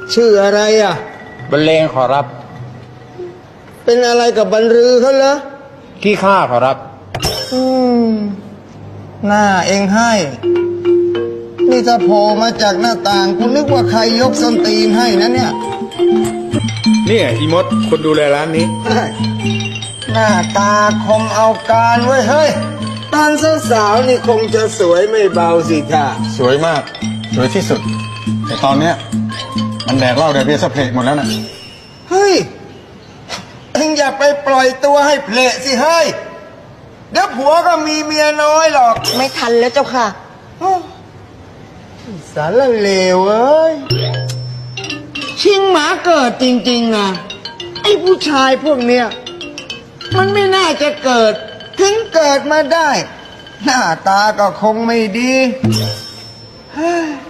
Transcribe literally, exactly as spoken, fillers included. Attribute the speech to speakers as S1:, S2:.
S1: ชื่ออะไรอ่ะ
S2: บรรเลงขอรับ
S1: เป็นอะไรกับบรรลือเขาเหรอ
S2: ขี้ข้าขอรับ
S1: อืมหน้าเองให้นี่ถ้าโผล่มาจากหน้าต่างคุณนึกว่าใครยกส้นตีนให้นะเนี่ย
S3: เนี่ยอีมดคนดูแลร้านนี้
S1: หน้าตาคงเอาการไว้เฮ้ยตอนสาวๆนี่คงจะสวยไม่เบาสิท่า
S3: สวยมากสวยที่สุดแต่ตอนเนี้ยมันแดกเหล้าแดกเบียร์สะเพลกหมดแล้วนะ
S1: เฮ้ยเอ็งอย่าไปปล่อยตัวให้เพลสิเฮ้ยเดี๋ยวผัวก็มีเมียน้อยหรอก
S4: ไม่ทันแล้วเจ้าค่ะ
S1: สารเลวเอ้ยชิงหมาเกิดจริงๆนะไอ้ผู้ชายพวกเนี้ยมันไม่น่าจะเกิดถึงเกิดมาได้หน้าตาก็คงไม่ดีเฮ้ย